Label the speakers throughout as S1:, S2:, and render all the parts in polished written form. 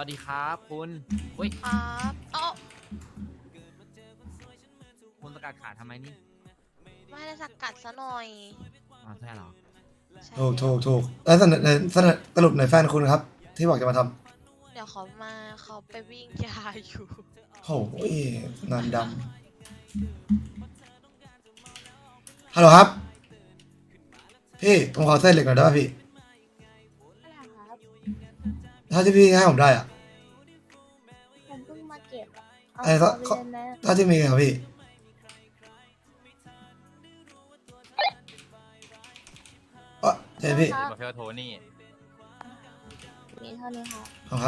S1: วัสดีครับคุณอุ้ย
S2: ครับเอ้า
S1: คุณสกัดขาทำไมนี่
S2: ไม่ได้สกัดซะหน่อย
S1: อ๋อใช่เหรอ
S2: ใช่
S3: ถูกแล้วสรุปในแฟนคุณครับ ที่บอกจะมาท
S2: เดี๋ยวเขาไปวิ่งยาอยู่
S3: ำโอ้ยงานดำฮัลโหลครับ พี่ผมขอเส้นเหล็กหน่อยได้ป่ะพี่
S4: อะไรครับ
S3: ถ้าที่พี่ให้ผมได้อะ
S4: ผมเพิ่งมาเก็บอะเอา
S3: ไอ้
S4: เอา
S3: ก็
S4: ไปเลยไหม
S3: ถ้าที่มีครับพี่เจพี่
S1: มาเฟลโทนี่
S4: มีเท่านี้ครับ
S3: ขอบครับ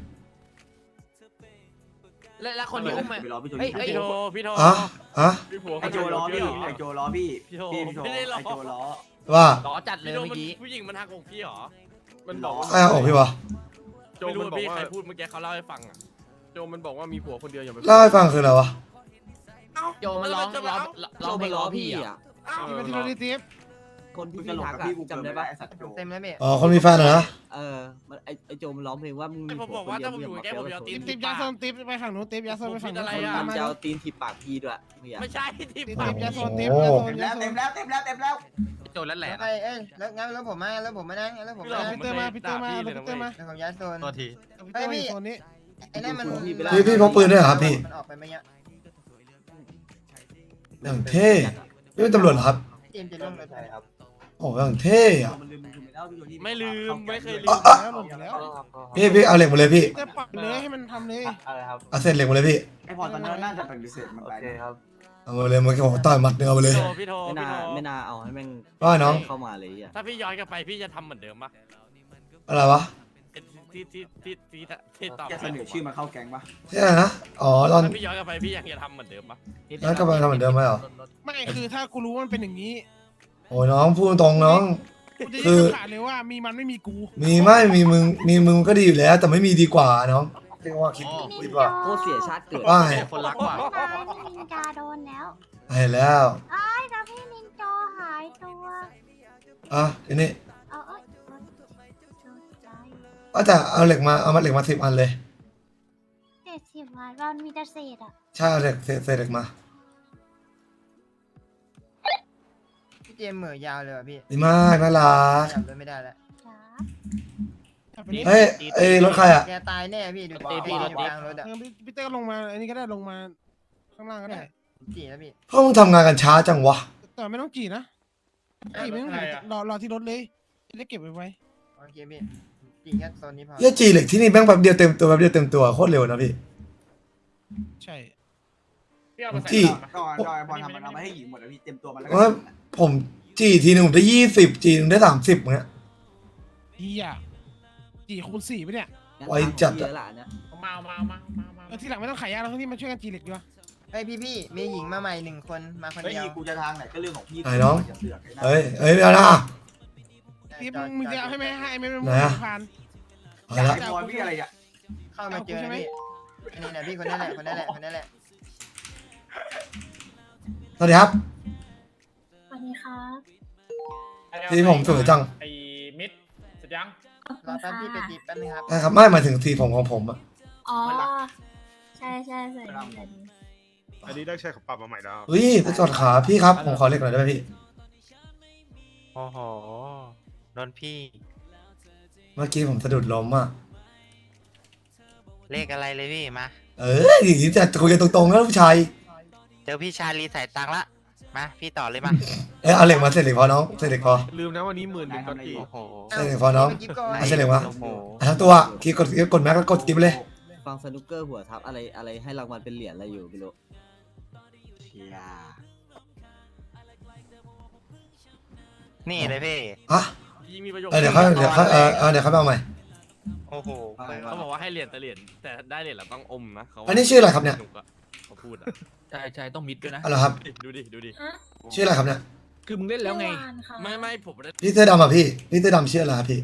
S1: แล้วคนที่อุ้มมา
S5: ไปรอพี่โจ
S1: เฮ้ย
S5: พี่โจ
S6: พี่โท
S3: อ่ะ
S6: พี่ผัว
S5: ไอโจล้อพี่ไอโจล้อพี่
S6: พี่โท
S5: พี่โจ
S6: ไม่ได้ล้อ
S5: ไอโจล้อ
S3: ว่า
S1: ล้อจัดเลย
S6: พี่โท
S1: เมื่อกี้
S6: ผู้หญิงมันทักของพี่เหรอ มันบอกว่า
S3: ใครเอาออกพี่วะ
S6: โจไม่รู้ว่าพี่ใครพูดเมื่อกี้เขาเล่าให้ฟังอ่ะ โจมันบอกว่ามีผัวคนเดียวอย่าไป
S3: เล่าให้ฟังคืออะไรวะ
S1: โจมันร้องเพลงล้อพี่อ่ะ
S6: เป็นที่เราได้ทิป
S7: คนที่
S5: มึงจะ
S7: พี่
S5: หลง
S7: ทัก
S5: กับ
S7: อะ
S5: พี่กู
S7: จำได้ปะ
S5: ไอสัตว์โจ
S8: เต็มแล้วพี่
S3: อ๋อคนมีแฟนเหรอนะ
S7: มันไอโจมันร้องเพลงว่ามึง
S6: ผมบอกว่าถ้าผมอยู่แกผมจะเอาตีน
S8: ติ๊บยาส้มติ๊บไปฝั่งนู้นติ๊บยาส้มไปฝั่งนู้น
S6: อะไร
S7: มัน
S6: อะ
S7: จะเอาตีนถีบปากพี่ด้วยมึงอยาก
S6: ไม่ใช่ทิป
S8: ติ๊บ
S6: ปาก
S8: ยาส้มติ๊บยาส้ม
S5: เต็ม
S8: ยา
S5: แล้ว
S8: ส้
S5: เต็
S8: ม
S5: มแล้วเต็มแล้วเต็มแล้ว
S1: โจแล้วแหละ
S8: เอ้ยแล้วงั้นแล้วผมมาแล้วผมมานะแล้วผม
S6: พี่
S8: มา
S6: เรา
S8: นะ
S6: พี่เตอร์มาพี่เตอร์มา
S8: แล้วผมย้ายโซน
S1: ตัวที
S8: พี่โซนนี้ไอ้นั่นมัน
S3: พี่พกปืนด้วยเหรอครับพี่
S8: มันออกไปไม่เยอะ
S3: อย่างเท่พี่เป็นตำรวจเหรอครับ
S8: เตรียมจะลงเลย
S5: ใช่ครับ
S3: โอ้อย่างเท่อะ
S5: มันลืมไปแล้วพี่โจนี่
S6: ไม่ลืมไม่เคยลืม
S8: แล้วลงแล้ว
S3: พี่เอาเหล็กมาเลยพี่
S8: จะปรับเลยให้มันทำเลย
S5: อะไรครับ
S3: เอาเส้นเหล็กมาเลยพี่
S5: ไอพอตอนนั้นน่าจะเป็นพิเศษมันไปครับ
S3: เอามาเลยเมื่อกี้ผมต่อยหมัดเดียวมาเลย
S6: พี่โท
S7: ไม่น่าเอาให้แม่ง
S3: ว่าน้อง
S7: เข้ามาเลยอ่ะ
S6: ถ้าพี่ย้อนกลับไปพี่จะทำเหมือนเดิมปะ
S3: อะไรวะ
S6: ที่ตอบ
S5: แกเสนอชื่อมาเข้าแก๊งปะ
S3: ใช่นะอ๋อตอน
S6: ถ้าพี่ย้อนกลับไปพี่ยังจะทำเหมือนเดิมปะ
S3: นั้นก็มาทำเหมือนเดิมไหมเหรอ
S8: ไม่คือถ้ากูรู้ว่ามันเป็นอย่างนี้
S3: โอ้ยน้องพูดตรงน้อง
S8: กูจะ
S3: คื
S8: ยื
S3: อ
S8: นขาดเลยว่ามีมันไม่มีกู
S3: มีไม่มีมึงก็ดีอยู่แล้ว แต่ไม่มีดีกว่าน้องเรียกว่าคิดดีกว่า
S7: โคตรเสียชาติเกิด
S3: ว่าไง
S1: คนรักกว่า
S4: พี่นินจาโดนแล้ว
S3: เห็นแล้ว
S4: ไอ้ายแล้วพี่นินจาหายตัว
S3: อ่ะทีนี้
S4: เอาโดนใจ
S3: ก็จะเอาเหล็กมาเอามาเหล็กมา10 อันเลย
S4: 70 วันเรามีแต่เศษอ่ะ
S3: ใช่เอาเหล็กเศษเหล็กมา
S8: พี่เจมเหม่อยาวเลยว่ะพี่
S3: ดีมากน่ารัก
S8: จำเลยไม่ได้แล้ว
S4: จ้า
S3: เฮ้ยเอ้ยรถใครอ่ะ
S8: แกตายแน่พี่ดูพี่อยู่กลางรถอ่ะพี่เต้ก็ลงมาอันนี้ก็ได้ลงมาข้างล่างก็ได้จีแล้วพี่
S3: พวกมึงทำงานกันช้าจังวะ
S8: แต่ไม่ต้องจีนะจีไม่ต้องจีรอที่รถเลยจะเก็บไว้โอเคพี่จีแค่โซนนี้พอ
S3: เหี้ยจีเหล็กที่นี่แม่งแป๊บเดียวเต็มตัวแป๊บเดียวเต็มตัวโคตรเร็วนะพี่
S8: ใช่
S3: จี
S5: ก็ไอพอทำมันเอามาให้หญิงหมดแล้วพี่เต็มตัวมันแล้ว
S3: ว่าผมจีทีหนึงผมได้20จีนึงได้30เงี้ย
S8: เฮียจีคูณ4ไปเนี่ย
S3: ไวจัดอะ
S7: เยอะละเนี่ย
S6: มา
S8: ทีหลังไม่ต้องขายยาแล้วทั้งที่มาช่วยกันจีเหล็กดีกว่าไอพี่มีหญิงมาใหม่1 คนมาคน
S5: เฮ้ย
S8: เดียว
S5: กูจะทางไหนก็เรื่องของพี่
S3: เฮ้ยไม่เอานะ
S8: ทีมึงจะเอาให้ไหมให้ไม่มึง
S3: ไหนอะ
S8: ผ่าน
S3: เอา
S5: อยาก
S3: ละ
S5: ให้บอลพี่อะไรอ่ะ
S8: เข้ามาเจอพี่อันนี้แหละพี่คนนั้นแหละคนนั้นแหละคนนั้นแหละ
S3: สวัสดีครับ
S4: สวัสดีครับ
S3: ทีผมสวยจัง
S6: ไอ้มิดเสร็จยัง
S4: ขอบ
S8: ร
S4: คุ
S8: อ
S4: ณ
S8: แป๊บ
S4: ค่ะ
S8: พี่ไปจีบแป๊บนึงครับ
S3: นะครับไม่หมายถึงทีผมของผมอะ
S4: อ๋อ ใช่ใช่ใช่ใช่
S9: อันนี้ได้ใช้ของปรับมาใหม่แล้ว
S3: เฮ้ยไปจอดขาพี่ครับผมขอเหล็กหน่อยได้ไหมพี่
S10: โอ้โหโดนพี่
S3: เมื่อกี้ผมสะดุดล้มอ่ะ
S10: เลขอะไรเลยพี่มา
S3: อย่างนี้จะคุยกันตรงๆนะผู้ชาย
S10: เจอพี่ชาลีใส่ตังค์ละ มาพี่ต่อเลยมา
S3: เอาเหล็กมาเสร็จเหล็กพอน้องเสร็จเหล็กพอ
S9: ลืมนะวันนี้11,000ตอนกี่
S10: โอ้โห
S3: เสร็จเหล็กพอน้อง เอาเสร็จเหล็กมา
S10: โอ้โห
S3: ทั้งตัวคีย์กดแม็กแล้วกดกิ๊บเลย
S7: ฟังสนุกเกอร์หัวทับอะไรให้รางวัลเป็นเหรียญอะไรอยู่ไม่รู้
S5: เชีย
S10: นี่เลยพี่
S3: ฮะ
S6: พี่มีประโยค
S3: เดี๋ยวเขาเดี๋ยวเขาเดี๋ยวเขาเอาใหม่
S10: โอ้โห
S6: เขาบอกว่าให้เหรียญแต่ได้เหรียญแล้วต้องอมนะเขา
S3: อันนี้ชื่ออะไรครับเนี่ย
S6: เขาพูดอ่ะ
S1: ใช่ต้องมิดด้วยนะ
S3: อะไรครับ
S6: ดูดิ
S4: ฮะ
S3: ชื่ออะไรครับเนี่ย
S1: คือมึงเล่นแล้วไง
S4: เมื่อวานค่ะ
S6: ไม่ผมไม่ได้
S3: พี่เสื้อดำอ่ะพี่เสื้อดำชื่ออะไรครับพี่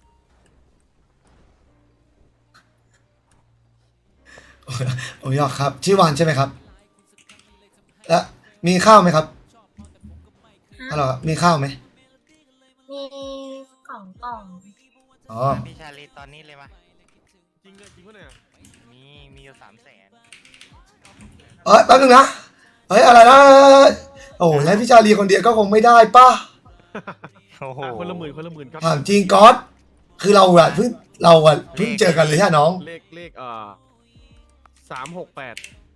S3: ผมยอกครับ ชื่อวานใช่ไหมครับแล้วมีข้าวไหมครับฮัลโหลครับมีข้าวไหม
S4: มี2 กล่อง
S3: อ๋อ
S10: พี่ชาลีตอนนี้เลยมา
S6: จริงเลยจริงปะเนี่ย
S10: มีอยู่300,000
S3: แป๊บนึงนะเฮ้ยอะไรนะโอ้ยให้พี่ชาลีคนเดียวก็คงไม่ได้ป่ะ
S10: โอ้โห
S6: คนละหมื่นครับ
S3: ถามจริงก๊อตคือเราอะเพิ่งเจอกันเลยใช่น้อง
S6: เลข368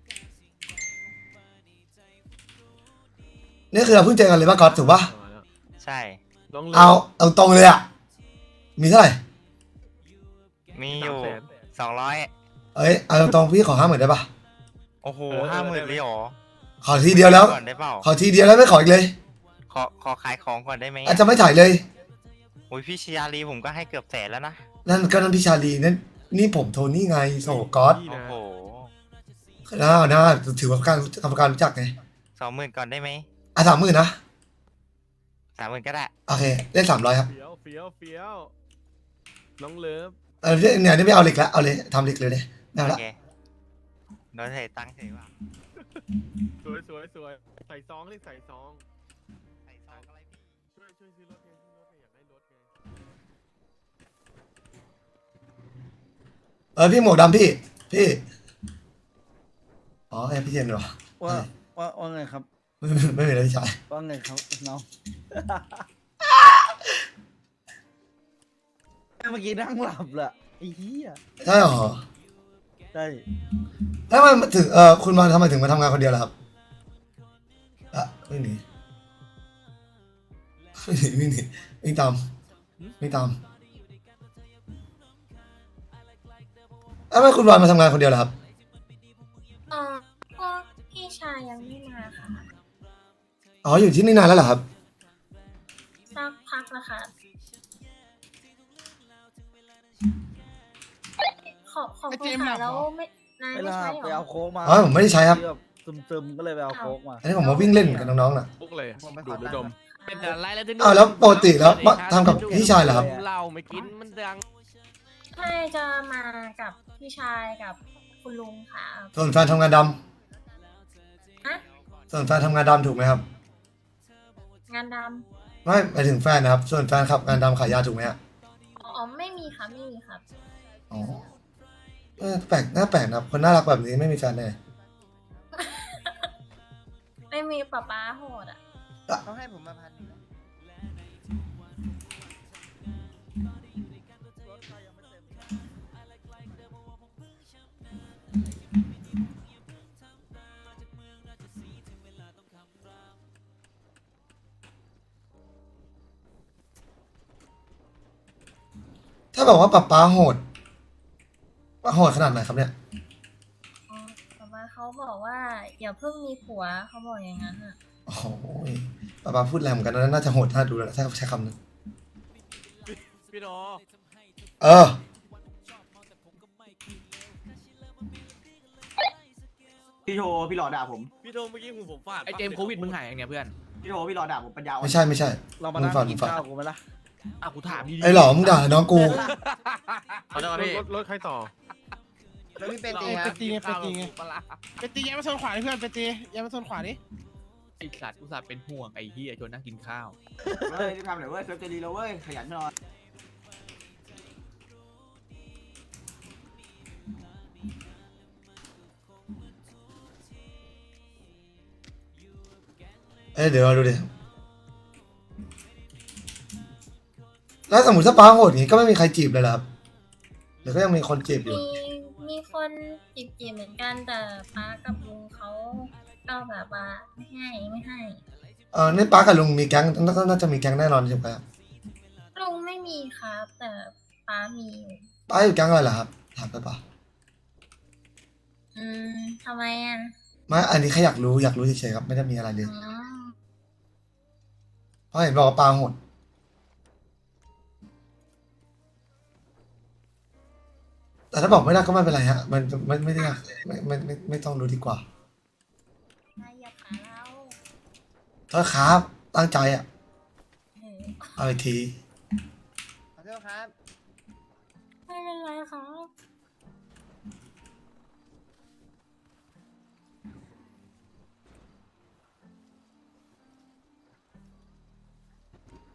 S3: นี่คือเราเพิ่งเจอกันเลยป่ะก๊อตถูกป่ะ
S10: ใช่
S6: ลองเลย
S3: เอาตรงเลยอะมีเท่าไหร่
S10: มีอยู่
S6: 300,000
S10: 200
S3: เอ้ยเอาตรงๆพี่ขอ50,000ได้ป่ะ
S10: โอ้โห 50,000เลยเหรอ
S3: ขอทีเดียวแล้ว
S10: ก่อนได้เปล่า
S3: ขอทีเดียวแล้วไม่ขออีกเลย
S10: ขอขายของก่อนได้ไหม
S3: อาจจะไม่ถ่ายเลย
S10: โอ้ยพี่ชยาลีผมก็ให้เกือบ100,000แล้วนะ
S3: นั่นก็นั่นพี่ชาลีนั่นนี่ผมโทนี่ไงโซก๊อต
S6: นี่
S10: โอ้
S6: นะ
S10: โห
S3: น่าถือว่ากรรมการรู้จักไง
S10: 20,000ก่อนได้ไหม
S3: 30,000นะ
S10: 30,000ก็ได้
S3: โอเคเล่น300ครับ
S6: เฟี้ยวน้องเลิฟ
S3: เนี่ยนี่ไม่เอาเหล็กแล้วเอาเลยทำเหล็กเลยไม่เอา
S10: โอ
S3: ละ
S10: เคโดนเทตังค์เฉยว่ะ
S6: สวยใส่ซองเลยใส่ซอง
S10: ใส่ซองอะไรพี่
S6: ช่วยซื้อรถไงอยากได้รถไง
S3: พี่หมวกดำพี่อ๋อพี่เจมส์เหรอ
S7: ว่าไงครับ
S3: ไม่เป็นไรพี่ชาย
S7: ว่าไงครับน้อง เมื่อกี้นั่งหลับแหละไอ้เหี้ย
S3: ใช่เหรอ
S7: ใช่
S3: แล้วมันถึงคุณมาทำไมถึงมาทำงานคนเดียวล่ะครับไม่หนีวิ่งตามแล้วทำไมคุณวานมาทำงานคนเดียวล่ะครับ
S4: พวกพี่ชายยังไม่มาค่ะ
S3: อ๋ออยู่ที่นี่นานแล้วเหรอครับ
S4: สักพักแล้วค่ะขอบคุณค่ะแล้วไม่นาย
S7: เว
S4: ไม่
S7: ลา
S4: ใช่
S7: ไป
S4: เหรอ
S7: เอาโค้กมา
S3: อ๋อผมไม่ได้ใช้ครับ
S7: แบบซึมๆก็เลยไปเอาโค้กมา
S3: อันนี้ผมมาวิ่งเล่นกับน้องๆน่ะ
S6: ปุ๊กเลยดูดดม
S1: เป็นอะไรแล้วที่
S3: แล้วปกติแล้วทำกับพี่ชายเหรอครับ
S1: เหล้าไม่กินมันดัง
S4: ใช่จะมากับพี่ชายกับคุณลุงค่ะ
S3: ส่วนแฟนทำงานด
S4: ฮะ
S3: ำส่วนแฟนทำงานดำถูกไหมครับ
S4: งานด
S3: ไม่หมายถึงแฟนนะครับ ส่วนแฟนขับงานดำขายยาถูกไหมฮะ
S4: ำอ๋อไม่มีค่ะไม่มีครับ
S3: อ๋อแปลกน่าแปลกนะครับคนน่ารักแบบนี้ไม่มีแฟนแน่
S4: ไม่มีป๊าโหดอ่ะ
S7: เขาให้ผมมา1,000
S3: ถ้าบอกว่าป๊าโหดขนาดไหนครับเนี่ย
S4: อ๋อป๊าเขาบอกว่าอย่าเพิ่งมีผัวเขาบอกอย่างนั้นอ่ะ
S3: โอ้โหป๊าพูดแรงเหมือนกันนะน่าจะโหดน่าดูแล้วถ้าใช้คำนั้น
S6: พี่โด
S5: พี่โทรพี่หลอด่าผม
S6: พี่โดเมื่อกี้หูผมฟาด
S1: ไอเจมส์โควิดมึงหายยังไงเพื่อน
S5: พี่โทรพี่หลอด่าผมปัญญาอ่อน
S3: ไม่ใช่
S7: เรามา
S3: มึ
S7: นั่
S3: ง
S7: ง
S3: ฝัน
S7: กิน
S3: ฝัน
S7: ข้าวกูไหมล่ะ
S1: อ่ะกูถามดี
S3: ไอ้หล่อมึงด่าน้องกู
S1: เขาจะมาพี่
S6: รถใครต่อ
S8: แล้วพี่เป็นตีไงเป็นตีย้ายมาโซนขวาดิเพื่อนเป็นตีย้ายมาโซนขวาดิ
S1: ไอสัตว์กูสัตว์เป็นห่วงไอ้เฮียจนนั่งกินข้าว
S5: เฮ้ยรีบทำหน่อยเว้ยเซิร์ฟจะดีแล้วเว้ยขยันหน่อย
S3: เดี๋ยวเราดูดิแล้วสมมติถ้าป๊าโหดอย่างนี้ก็ไม่มีใครจีบเลยเหรอครับหรือก็ยังมีคนจีบอยู่
S4: มีคนจีบเหมือนกันแต่ป๊ากับลุงเขาก็แบบว่าไม่ให้
S3: นี่ป๊ากับลุงมีแก๊งน่าจะมีแก๊งแน่นอนใช่ไหมครับ
S4: ลุงไม่มีครับแต่ป๊ามีอยู่
S3: ป๊าอยู่แก๊งอะไรเหรอครับถามไปป่ะ
S4: ทำไมอ่ะ
S3: ไม่อันนี้แค่อยากรู้เฉยๆครับไม่ได้มีอะไรเลย
S4: อ๋อ
S3: เพราะเห็นบอกว่าป๊าโหดแต่ถ้าบอกไม่ได้ก็ไม่เป็นไรฮะมันไม่ได้ไม่ต้องรู้ดีกว่า
S4: อย่าขาเรา
S3: โทษครับตั้งใจอ่ะ
S4: เออ
S3: เอาอีกที
S7: ขอโทษครับ
S4: ไม่เป็นไรครับ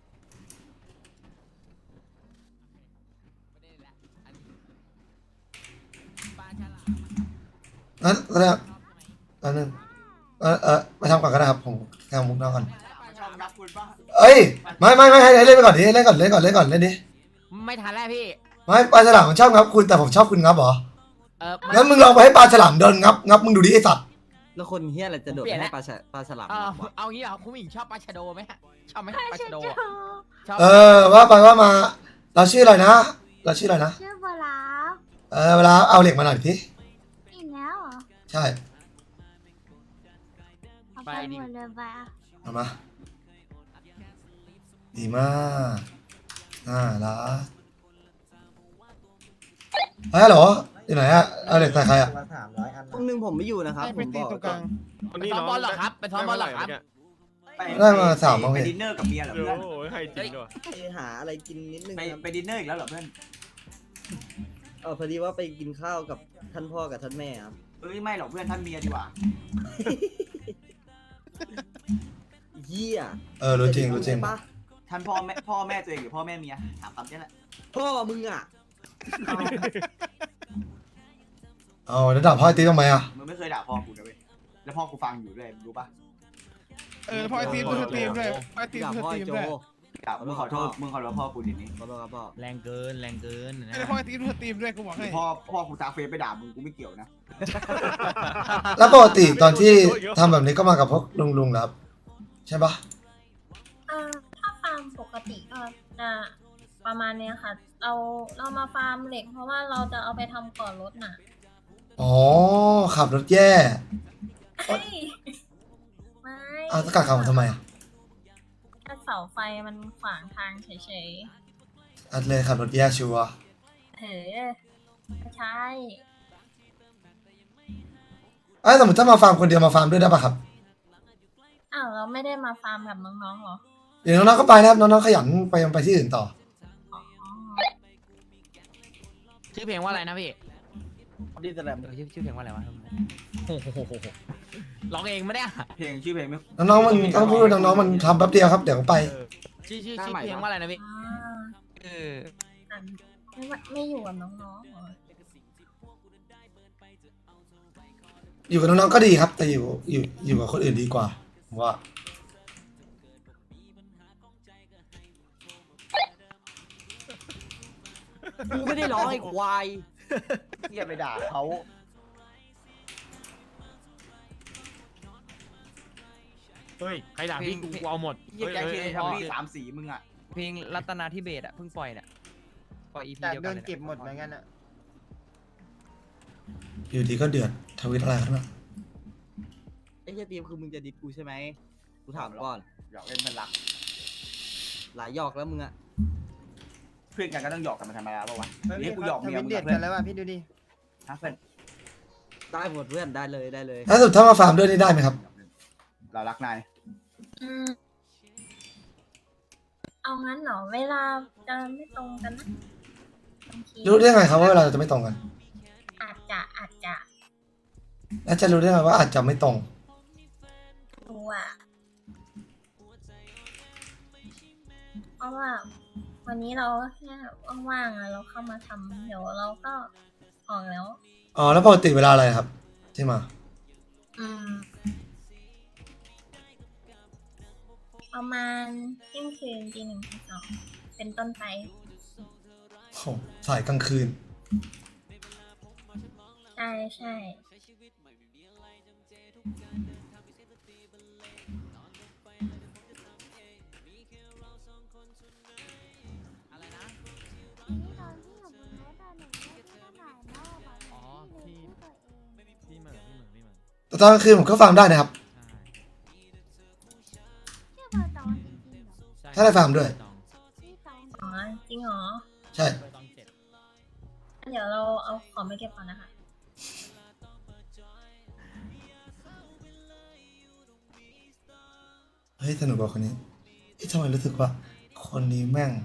S1: ไ
S3: งั้นก็ได้อันนึงไปทำก่อนก็ได้ครับผมทำมุกน้องก่อน
S5: ชอบนับคุณป่ะ
S3: เอ้ยไม่ให้เล่นไปก่อนดิเล่นก่อนเล่นดิ
S1: ไม่ทันแล้วพี่
S3: ไม่ปลาฉลามมันชอบงับคุณแต่ผมชอบคุณงับเหรอ
S1: มัน
S3: งั้นมึงลองไปให้ปลาฉลามโดนงับมึงดูดิไอสัตว์
S7: แล้วคนเฮี้ยอะไรจะโดดไปให้ปลาฉลาม
S1: เอางี้เหรอคุณผู้หญิงชอบปลาชะโดไหมฮะชอบไหมปลาชะโดอะชอบ
S3: ว่าไปว่ามาเราชื่ออะไรนะเราชื่ออะไรนะ
S4: ชื่อโบลาฟ
S3: เวลาเอาเหล็กมาหน่อยสิ
S4: อีกแล้วเหรอ
S3: ใช่
S4: เอาไปหมดเลยไปอ่ะ
S3: เอามาดีมากละเฮ้ยฮัลโหลอยู่ไหนอะเอาเหล็กใส่ใครอะ
S7: พวกนึงผมไม่อยู่นะครับ
S8: ให้
S7: ผ
S8: ไป
S7: ม
S8: ตี
S7: บอก
S8: ตัวกลาง
S6: วัน
S1: ไป
S6: นี้
S1: ซ้อม
S6: น้อง
S1: บอลเหรอครับไปซ้อมบอลเหรอครับ
S3: ได้มา3
S5: ไปดินเนอร์กับเมียเหรอ
S6: โอ้
S5: เพื่อน
S6: โหให้จริงด้วย
S7: ไปหาอะไรกินนิดนึง
S5: ไป
S7: ครับ
S5: ไปดินเนอร์อีกแล้วเหรอเพื่อน
S7: พอดีว่าไปกินข้าวกับท่านพ่อกับท่านแม่ครับ
S5: เอ้ยไม่หรอกเพื่อนท่านเมียดีกว่า
S7: เฮีย
S3: รู้จริง
S7: ใช่ปะ
S5: ท่านพ่อแม่ตัวเองหรือพ่อแม่เมียถามคำนี้แหละ
S7: พ่อมึงอ่ะ
S3: แล้วด่าพ่อไอ้ตีทำไมอะ
S5: มึงไม่เคยด่าพ่อกูนะเว้ยแล้วพ่อกูฟังอยู่ด้วยรู้ปะ
S8: พอไอทีมดูสตรีมด้วยพอไอทีม
S7: ด่า
S8: ดูส
S7: พ่อ
S8: ตรี
S7: ไอ้
S8: ม
S7: โจ
S8: ด้วย
S5: ด่ามึงขอโทษพ่อกูทีนี้
S7: ขอโทษครับพ่อ
S1: แรงเกินนะ
S8: พอไอทีมดูสตรีมด้วยกูบอกให้
S5: พ่อกูตาเฟซไปด่ามึงกูไม่เกี่ยวนะ
S3: แล้วปกติตอนที่ทำแบบนี้ก็มากับพวกลุงๆแล้วใช่ปะ
S4: ถ้าฟาร์มปกติก็จะประมาณเนี้ยค่ะ เรามาฟาร์มเหล็ก เพราะว่าเราจะเอาไปทำก่อนรถน่ะ
S3: อ๋อขับรถแย่
S4: เฮ้ยไม่
S3: สกัดขับทำไมอะ
S4: แค่เสาไฟมันขวางทางเฉย
S3: อัดเลยขับรถแย่ชัวร์
S4: ๆเฮ้ยไม่ใช่
S3: สมมติถ้ามาฟาร์มคนเดียวมาฟาร์มด้วยได้ปะครับ
S4: อ้าวเราไม่ได้มาฟาร์มกับน้องๆเหรอ
S3: เดี๋ยวน้องๆก็ไปนะครับน้องๆขยันไปที่อื่นต่อ
S4: อ๋อ
S1: ชื่อเพลงว่าอะไรนะพี่
S7: ดีแสดง
S1: ชื่อเพลงว่าอะไรวะโอ้โหร้องเองไม่ได้
S5: เพลงชื่อเพลงไม่
S3: น้องๆมันต้องพูดน้องๆมันทำแป๊บเดียวครับเดี๋ยวก็ไป
S1: ชื่อเพลงว่าอะไรนะพี่
S4: อ่า
S1: เออ
S4: อ่ะไม่อยู่กับน้องๆเหรอ
S3: อยู่กับน้องๆก็ดีครับ แต่อยู่กับคนอื่นดีกว่าผมว่า
S7: กูไม่ได้ร้องไอ้ควาย
S5: อย่าไปด่าเขา
S6: เฮ้ย
S1: ใครด่าพี่กูเอาหมด
S5: เยี่ยแกเคทำพี่3 สีมึงอ่ะ
S10: เพลงรัตนาธิเบศอะเพิ่งปล่อยเนี่ยปล่อย EP เดียวกันเลย
S3: อยู่ดีก็เดือดทวิตอะไรขึ้นมา
S7: ไอ้เฮียทีมคือมึงจะดิบกูใช่ไหมกูถามก่อน
S5: หยอกเล่นมันรัก
S7: หลายหยอกแล้วมึงอ่ะ
S5: เพื่อนกันก็ต้องหยอกกันมาธรรมดาป่าวะนี่กูหยอกเมียมึงกับเพื่อนแล้วว่ะพี่ดูดิฮะเพื่อน
S7: ได้หมดเพื่อนได้เลยได้เลย
S3: ถ้าสุดถ้ามาฟาร์มด้วยนี่ได้ไหมครับ
S5: เรารักนาย
S4: อืมเอางั้นเหรอเวลาจะไม่ตรงกันนะบางที
S3: รู้ได้ไงครับว่าเวลาเราจะไม่ตรงกัน
S4: อาจจะ
S3: แล้วจะรู้ได้ไงว่าอาจจะไม่ตรง
S4: รู้อ่ะเพราะว่าวันนี้เราแค่ว่างๆอะเราเข้ามาทำเดี๋ยวเราก็ออกแล้ว
S3: แล้วปกติเวลาอะไรครับ ที่มา
S4: อืมประมาณเที่ยงคืนตี 1 ตี 2เป็นต้นไป
S3: โอ้สายกลางคืน
S4: ใช่
S1: อ๋อพี่เหมือน
S3: แต่ตอนกลางคืนผมก็ฟาร์มได้นะครับ ถ้าได้ฟาร์มด้วย
S4: อ๋อจริงเหรอ
S3: ใช่
S4: เดี๋ยวเราเอาของไปเก็บก่อนนะคะ
S3: เฮ้ยสนุกกว่าคนนี้ทำไมรู้สึกว่า คนนี้แม่ง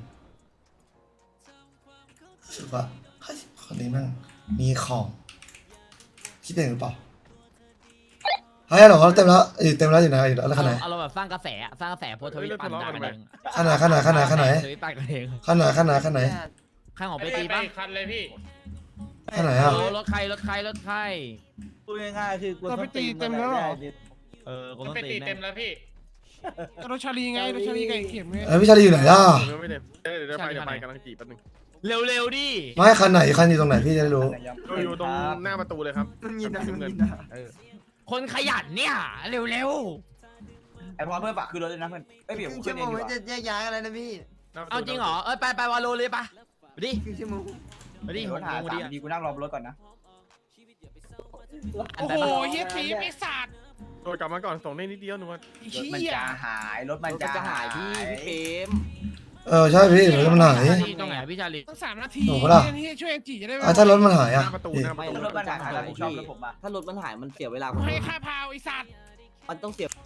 S3: รู้สึกว่าเฮ้ยคนนี้แม่งมีของคิดเองหรือเปล่าเฮ้ยเหรอเต็มแล้วอยู่ไหนอยู่แล้วขนาด
S1: เอาเราแบบสร้างกระแสโพสทวิตปั่นด่ากันเอง
S3: ขนาด
S1: ทวิตปั่นกันเอง
S3: ขนาด
S1: ข้างของไปตีป่ะ
S6: คันเลยพี่
S3: ท่าไหนอ่ะ
S1: โอ้รถใครรถใครรถใคร
S5: พูดง่ายๆคือกู
S8: เราไปตีเต็มแล้วเหรอ
S1: กูต้องตีเต็มแล้วพี่
S8: รถชาลีไงรถชาลีไก่เข็มไง
S3: พี่ชาลีอยู่ไหนล่ะ
S6: ผมยังไม่ได้เดี๋ยวไปกำลังจีบแป๊บนึง
S1: เร็วๆดิ
S3: ไม่คันไหนคันอยู่ตรงไหนพี่จะได้รู้
S6: อยู่ตรงหน้าประตูเลยครับ
S5: ยินนะ
S6: เงิน
S1: คนขยันเนี่ยเร็ว
S5: ไอพอเพื่อนฝากคือรถเลยนะเพื่อนเอ้ยเดี๋ยวผมขึ้นเองดีกว่า
S8: แยกย้ายอะไรนะพี่
S1: ๆเอาจริงเหรอไปวาโลเลยปะไปดิ
S8: คือชั่วโมง
S1: ไปดิ
S5: รถหา
S1: งงดิ
S5: 3ดีกูนั่งรอบนรถก่อนนะ
S8: โอ้โหเฮียผีปีศาจ
S6: โดยกลับมาก่อนส่งได้นิดเดียวหนูว่า
S5: รถมันจะหายรถมันจะหาย
S1: พี่เฟม
S3: ใช่พี่รถมันหาย
S1: ตรงไหนพี่ชาลี
S8: ตั้ง3 นาที
S3: โอ้โหล่ะ
S8: ที่ช่วยจีจะได้ไหม
S3: ถ้ารถมันหาย
S6: ห
S3: อ่ะ
S6: น้าประตู
S3: พี่
S6: หน้าประตู
S5: รถมันหายผมชอบรถผมอ่ะ
S7: ถ้ารถมันหายมันเสียเวลา
S8: ให้ค่าพาวไอ้สัตว์
S7: มันต้องเสีย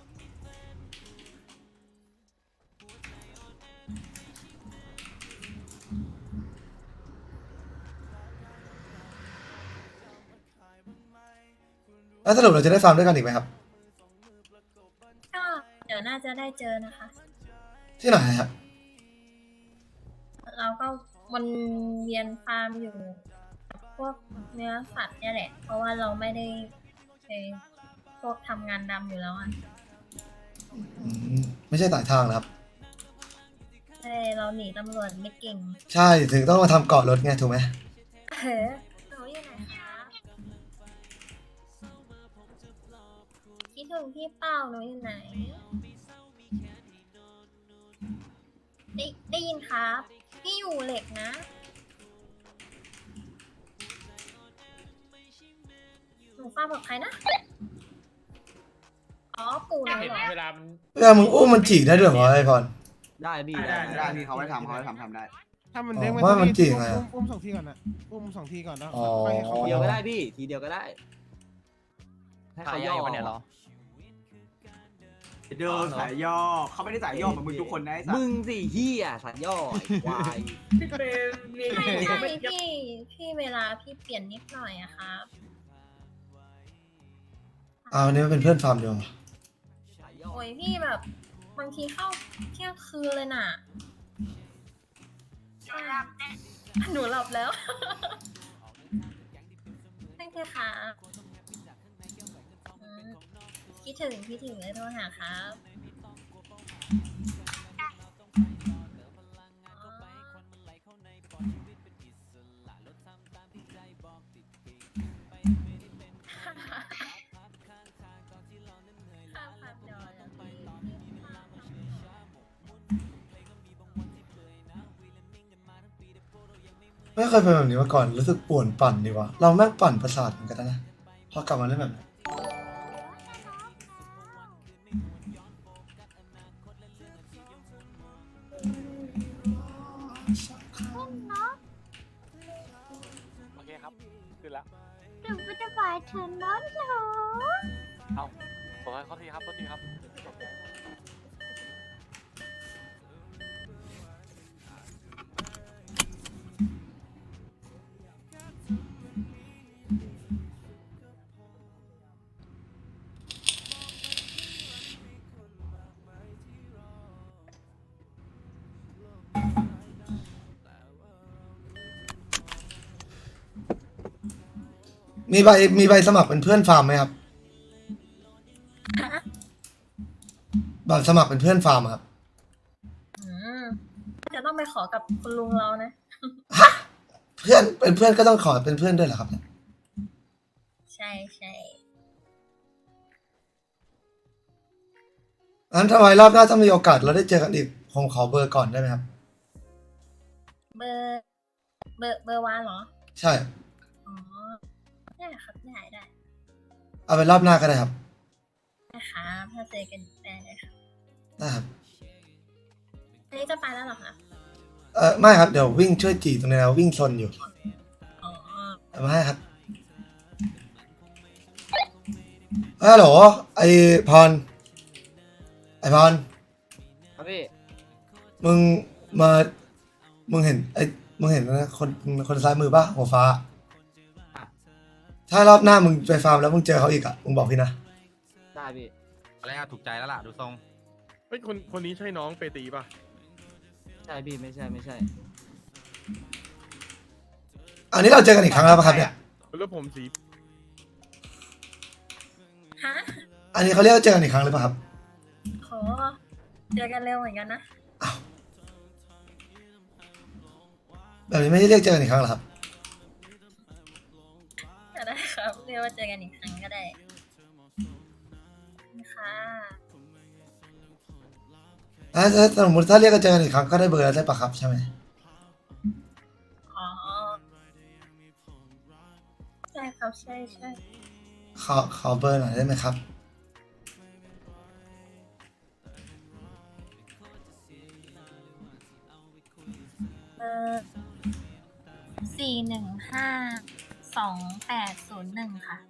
S3: แล้วสรุปเราจะได้ฟาร์มด้วยกันอีกไหมครับ
S4: ก็เดี๋ยวน่าจะได้เจอนะคะ
S3: ที่ไหนครับ
S4: เราก็วนเวียนฟาร์มอยู่กับพวกเนื้อสัตว์เนี่ยแหละ เพราะว่าเราไม่ได้ไปพวกทำงานดำอยู่แล้วอ่ะ
S3: ไม่ใช่สายทางนะครับ
S4: ใช่เราหนีตำรวจไม่เก่ง
S3: ใช่ถึงต้องมาทำเกาะรถไงถูกไหม
S4: เฮ้หนูอยู่ไหนคะคิดถึงพี่เป้าหนูอยู่ไหน ได้ยินครับ พี่อยู่เหล็กนะ หนูฟ้าบอกใครนะ อ๋อ ปู่หนูเหรอ
S1: เวลามัน
S3: เวลามึงอุ้มมันจีได้ด้วยเหรอไอพร
S7: ได้พี่
S5: ได้พี่เขาไว้ทำได้
S8: ถ้ามันเด้ง
S3: ว่ามันจริงไง
S8: อุ้ม2 ทีก่อนนะอุ้ม2 ทีก่อนแล้ว
S3: อ๋อ
S8: ไปให้เขา
S7: ทีเดียวก็ได้พี่ ทีเดียวก็ได้ให้
S1: ขา
S7: เขา
S1: ย
S7: ย่อ
S1: วะเนี่ยเหรอ
S5: เดินสายย่อเขาไม่ได้สายย่อเหมือนมึงทุกคนนะไอ้สัส
S7: มึงสิเฮียสัตว์ย่อไอ้ควาย
S4: ไม่ใช่พี่เวลาพี่เปลี่ยนนิดหน่อยอะครับ
S3: เอาอันนี้มันเป็นเพื่อนฟาร์มเดียว
S7: สายย่อ
S4: โอ้ยพี่แบบบางทีเข้าเที่ยงคืนเลยน่ะหนูหลับแล้ว ไม่ใช่ค่ะอืมคิดถึงเลยโทรหาครับ
S3: ไม่เคยเป็นแบบนี้มาก่อนรู้สึกป่วนปั่นดีว่ะเราแม่งปั่นประสาทเหมือนกันนะพอกลับมาเล่นแบบนี้
S10: โอเคครับ ขึ้นแล้ว
S4: หนูไม่ได้หมายถึงน้องหนู
S10: ขอโทษทีครับโทษทีครับ
S3: มีใบสมัครเป็นเพื่อนฟาร์มไหมครับบัตรสมัครเป็นเพื่อนฟาร์มอะครับ
S4: อืมจะต้องไปขอกับคุณลุงเรานะ
S3: เพื่อนเป็นเพื่อนก็ต้องขอเป็นเพื่อนด้วยเหรอครับเนี่ย
S4: ใช่
S3: งั้นทำไมรอบหน้าถ้ามีโอกาสเราได้เจอกันอีกผมขอเบอร์ก่อนได้ไหมครับ
S4: เบอร์วานเหรอ
S3: ใช่
S4: อ๋อ ได้ครับได้
S3: เอาเป็นรอบหน้าก็ได้ครับ
S4: ครับถ้าเจอกันได้เลยครับ
S3: ได้ครับ
S4: อันนี้จะไปแล้วเหรอคะ
S3: ไม่ครับเดี๋ยววิ่งช่วยจีตรงนี้นะวิ่งชนอยู่
S4: อ๋อ
S3: เอามาให้ครับฮัลโหลไอพร
S7: ครับพี่
S3: มึงเห็นนะคนซ้ายมือป่ะหัวฟ้า ถ้ารอบหน้ามึงไปฟาร์มแล้วมึงเจอเขาอีกอ่ะมึงบอกพี่นะ
S7: ได้พี่
S1: อะไรถูกใจแล้วล่ะดูทรง
S6: เฮ้ยคนนี้ใช่น้องเปตีป่ะ
S7: ใช่พี่ไม่ใช่
S3: อันนี้เราเจอกันอีกครั้งแล้วปะครับเนี่ย
S6: แล้วผมสี
S4: ฮะ
S3: อันนี้เขาเรียกว่าเจอกันอีกครั้งหรือเปล่าครับ
S4: โหเจอกันเร็วเหมือนกันนะ
S3: แบบนี้ไม่ได้เรียกเจอกันอีกครั้งเหรอครับ
S4: ก็ได้ครับเรียกว่าเจอกันอีกครั้งก็ได้ค่ะ
S3: ถ้าสมมติถ้าเรียกกันเจอกันอีกครั้งก็ได้เบอร์แล้วได้ปะครับใช่ไหม
S4: อ๋อใช่ครับใช่
S3: ขอเบอร์หน่อยได้ไหมครับ
S4: 4152801ค่ะ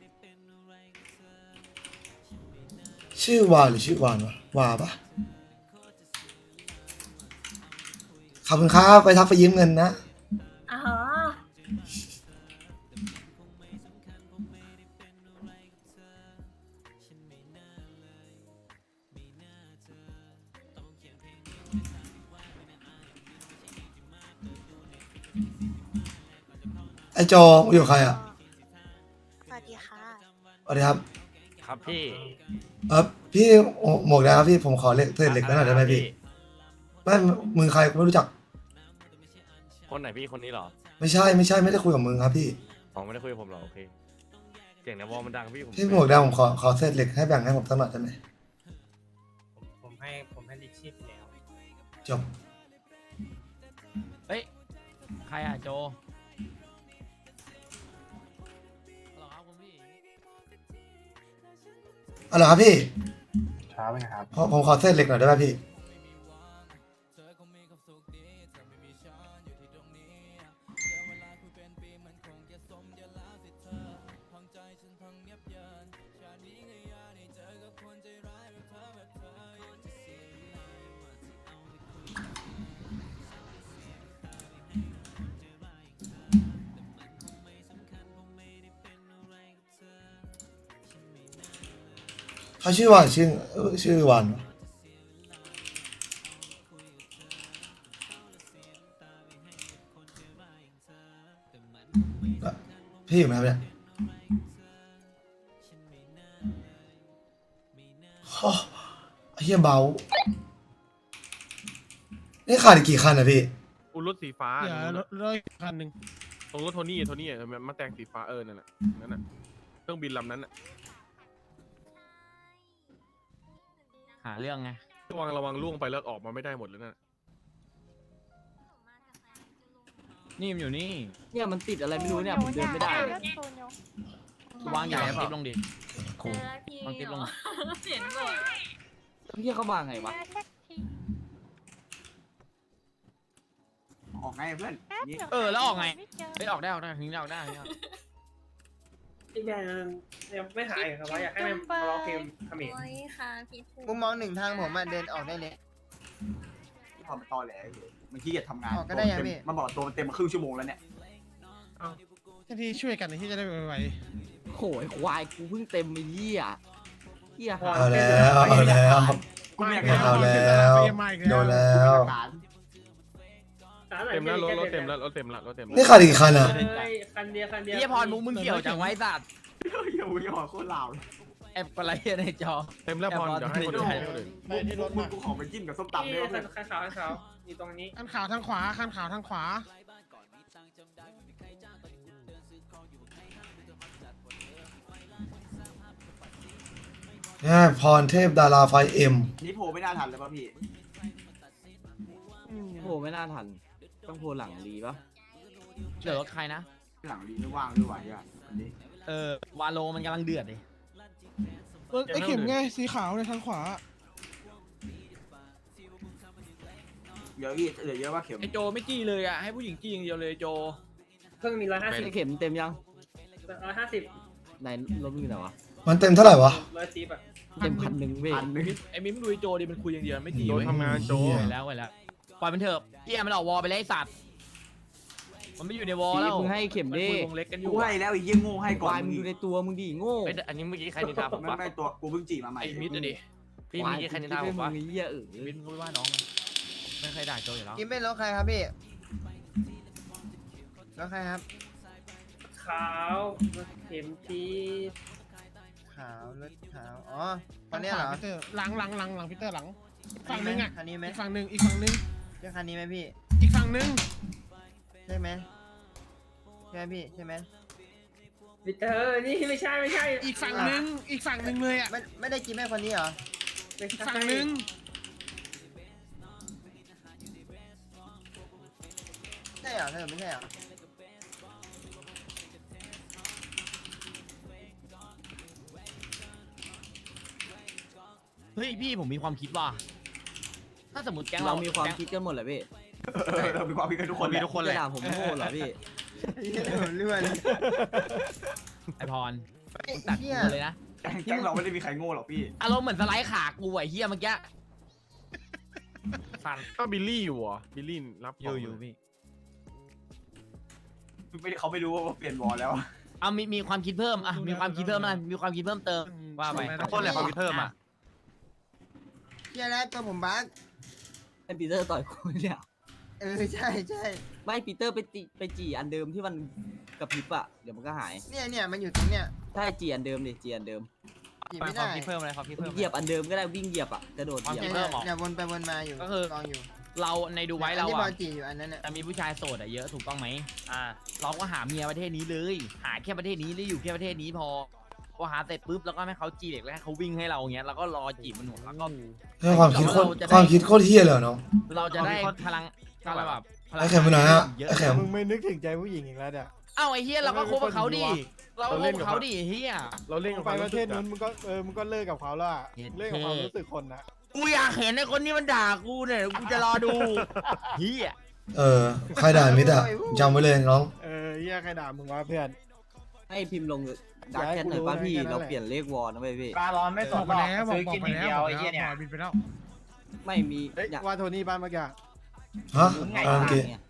S3: ชื่อวาหรือชื่อวานวะวาปะขอบคุณครับไปทักไปยืมเงินนะ
S4: อ๋อ
S3: ไอโจอยู่กับใครอ่ะ
S2: สวัสดีค่ะ
S3: สวัสดีครับ
S10: ครับพี่
S3: พี่หมวกนะครับพี่ผมขอเศษเหล็กหน่อยได้ไหมพี่ไม่มึงใครกูไม่รู้จัก
S10: คนไหนพี่คนนี้เหรอ
S3: ไม่ใช่ไม่ได้คุยกับมึงครับพี่
S10: อ๋อไม่ได้คุยกับผมเหรอโอเคเสียงในวอลมันดังพี่ผม
S3: พี่หมวกแดงผมขอเศษเหล็กให้แบ่งให้ผมสักหน่อยได้ไหม
S10: ผมให้ลิชิปแล้ว
S3: จบ
S1: เฮ้ยใครอ่ะโจฮัลโหลครับคุณพี่
S3: เอาเหรอครับพี่
S9: ช้าไหมครับ
S3: ผมขอเศษเหล็กหน่อยได้ไหมพี่ เขาชื่อวานชื่อวานวะพี่อยู่ไหมครับเนี่ยโอ้ไอ้เหี้ยเบานี่ขาดอีกกี่คันอะพี่
S6: อุรถสีฟ้า
S8: เดี๋ยวรถอีกคันหนึ่ง
S6: ตรงรถโทนี่มาแต่งสีฟ้านั่นน่ะเครื่องบินลำนั้นน่ะ
S1: หาเรื่องไง
S6: ระวังล่วงไปแล้วออกมาไม่ได้หมดเลยนั่น
S1: นี่มันอยู่นี่
S7: เนี่ยมันติดอะไรไม่รู้เนี่ยผมเดินไม่ได้เลยว
S1: างใหญ่คลิปลงดิ
S3: กู
S4: เจอพี่
S1: วางคลิปลง
S4: เห็นบ่อย
S7: เฮียเขามาไงวะ
S5: ออกไงเพื่อนนี่
S1: แล้วออกไงเฮ้ยออกได้ทิ้งได้ออกได้
S11: พี่แมนยังไม่หายครับว่าอยากให้มันร้องเพลงเขมร
S4: โอ้ยค่ะพี่ทู
S8: มุมมองหนึ่งทางผมเดินออกได้เลย
S5: ที่พอมันตอแหลอยู่มันขี้เกียจทำงาน
S8: ออกก็ได้ยังพี่
S5: มันบอกตัวมันเต็มมาครึ่งชั่วโมงแล้วเนี่ย
S8: ที่ช่วยกันที่จะได้ไว
S7: โหยควายกูเพิ่งเต็มไปเหี้ยหา
S3: เอาแล้ว
S5: กูไม่อยาก
S3: ไม่เอาแล้วโดนแล้ว
S6: เต็มแล้วรถเต็มแล้ว
S3: นี่ขาดอีกกี่คันอะ
S11: คันเดียว
S1: พี่พรมึงเกี่ยวจังไว้สัตว์
S5: อย่าวิ่งออกโคตรลาว
S1: แอบอะไรในจอ
S6: เต็มแล้วพรเดี๋ยวให้คนอื่นให้คนอื่น
S8: ๆไปที่รถ
S5: มึ
S8: มาง
S5: กูขอไปจิ้มกับส้มตำด้วยเพื่อน
S11: คันขาวอยู่ตรงนี้
S8: คันขาวทางขวาคันขาวทางขวา
S3: เนี่ยพรเทพดาราไฟเอ็ม
S5: นี่โผล่ไม่น่าทันเลยป่ะพี่
S7: โหไม่น่าทัน ต้องโผล่หลังรีปะ
S1: เหลือรถใครนะ
S5: หลังดีไม่ว่างด้วยวะอ่ะอันนี้
S1: วาโลมันกำลังเดือดดิ
S8: ไอ้เข็มไงสีขาวในทางขวา
S5: เดี๋ยวพี่เหลือเยอะว่าเข็ม
S1: ไอโจไม่จี้เลยอ่ะให้ผู้หญิงจี้อย่างเดียวเลยโจ
S11: เพิ่งมี
S7: ไอ้เข็มเต็มยัง
S11: 150
S7: ไหนรถมึงอยู่ไหนวะ
S3: มันเต็มเท่าไหร่วะ
S11: 110อ่ะ
S7: เต็ม1,000เว้ย
S1: ไอมิมดูไอโจดิมันคุยอย่างเดียวไม่จี้
S6: โจ
S1: เว้ย
S6: ทำงานโจ
S1: ไปแล้วปล่อยมันเถอะเฮียมันออกวอลไปเลยไอสัตว์มันไม่อยู่ในวอลแล้ว
S7: มึงให้เข็ม
S1: มัน
S7: ดิ
S1: คุยวงเล็กกันอยู่
S5: กูให้แล้วไอ้เยี่ยงโง่ให้ก่อ
S7: วาน ยมึงดูในตัวมึงดิโง่
S10: อันนี้เมื่อกี้ใครนินทาผม
S5: ไม่
S10: ปะ
S5: ไม่ตัวกูเพิ่งจีบมาใหม่
S1: ไอมิดอะดิ
S10: พี่เมื่อกี้ใครนินทาผมปะ
S7: มึงเหี้ย
S1: มิดมึงไม่ว่าน้องมันไม่เคยด่าโจอยู่แล้ว
S8: กินเป็นรถใครครับพี่
S5: แล้วใครครับ
S11: ขาวรถเข็มที
S5: ขาวรถขาวอ๋อตอนนี้เหรอ
S8: พีเตอร์หลังพีเตอร์หลังฝั่งนึงอ่ะ
S5: คันนี้ไหม
S8: อีกฝั่งนึงอีกฝั่งนึง
S5: ใช่คันนี้ไหมพี่
S8: อีกฝั่งนึง
S5: ใช่ไหมใช่ไหมพี่ใช่ไหม
S11: วิเตอร์นี่ไม่ใช่
S8: อีกฝั่งนึงอีกฝั่งนึงเลยอ่ะ
S5: ไม่ได้กินแม่คนนี้เหรอ
S8: อีกฝั่งนึง
S5: ใช่เหรอเธอไม่ใช่เหรอ
S1: เฮ้ยพี่ผมมีความคิดว่าถ้าสมมติแก๊ง
S7: เรา
S1: เรา
S7: มีความคิดกันหมดแหละพี่
S5: เรามีความคิดกันทุกคน
S10: มีทุกคนแห
S7: จะ
S10: ละ
S7: ด่าผมโง่เหรอพี่
S5: เลื่อน
S1: ไอพร
S5: ไอ้
S1: ตัด
S5: เหี้ย
S1: กูเลยนะ
S5: แก๊งเราไม่ได้มีใครโง่หรอกพี่
S1: อารมณ์เหมือนสไลด์ขากูไอ้เฮียเมื่อกี้สั่น
S6: ก็บิลลี่อยู่เหรอบิลลี่รับของ
S1: อยู่พี่
S5: ไม่ได้เขาไม่รู้ว่าเปลี่ยนวอลแล้ว
S1: เอามีความคิดเพิ่มอ่ะมีความคิดเพิ่มอะไรมีความคิดเพิ่มเติมว่าไป
S10: ทุกคนแหละความคิดเพิ่มอ่ะ
S5: เฮียแล้วตัวผมบั๊ก
S7: ไอ้ปีเตอร์ต่อยกูเนี่ย
S5: ใช่ใช่
S7: ไม่ปีเตอร์ไปจีอันเดิมที่มันกระพริบอะเดี๋ยวมันก็หาย
S5: เนี่ยมันอยู่ตรงเนี้ย
S7: ใช่จีอันเดิมดิจีอันเดิม
S5: จีบ
S10: ควา
S5: ไม่
S10: ม
S5: ได้
S10: คิดเพิ่มอะไรความคิดเพิ่ม
S7: เหยียบอันเดิมก็ได้วิ่งเหยียบอะกระโดดเหยียบ
S5: เนี่ยวนไปวนมาอยู่
S1: ก็คือ
S5: ลองอยู่
S1: เราในดูไว้เรา
S5: ที่บอ
S1: อ่ะ
S5: ลจีอยู่อันนั้นน่ะ
S1: จะมีผู้ชายโสดอะเยอะถูกต้องไหมเราก็หาเมียประเทศนี้เลย หาแค่ประเทศนี้แล้วอยู่แค่ประเทศนี้พอหาเสร็จปุ๊บแล้วก็ให้เขาจีเด็กแล้วให้เขาวิ่งให้เราอย่างเงี้ยแล้วก็รอจีบมันหมดแล้วก็
S3: เรื่องความคิดโคตรความคิดโคตรเฮี้ยเลยเหรอน้อง
S1: เราจะได้พลังแบบพลัง
S3: ไอ้เข็มไปไหนอะ
S1: เยอะ
S3: ไอ้เข็ม
S8: มึงไม่นึกถึงใจผู้หญิงอีกแล้วเนี่ย
S1: เอ้าไอ้เฮียเราก็คบกับเขาดิเราก็คบกับเขาดิเฮีย
S6: เราเล่นกับ
S8: ไป
S6: ความ
S8: ป
S6: รู้
S8: ระเท
S6: สึ
S8: ศ
S6: ก
S8: นู้
S6: อะ
S8: นมึงก็มึงก็เลิกกับเขาแล้วอะ
S1: เย็น
S8: เลิกกับความรู้สึกคนนะ
S1: กูอยากเห็นไอ้คนนี้มันด่ากูเนี่ยกูจะรอดูเฮีย
S3: ใครด่ามิดอะจำไว้เลยน้อง
S8: เฮียใครด่ามึงวะเพื่อน
S7: ให้พิมพ์ลงดักแชทหน่อยป่ะพี่เราเปลี่ยนเลขวอลนะเว้ยพี่
S5: ปลาร้อนไม่ต
S8: บอก กไปแล้วบอกไปแล้วไอ้เหี้ยเนี่ยบินไปแล้ว
S7: ไม่มี
S8: เฮ้ยว่าโทนี่บ้านเมื่อกี้
S3: ฮะโอเค
S7: เนี่ย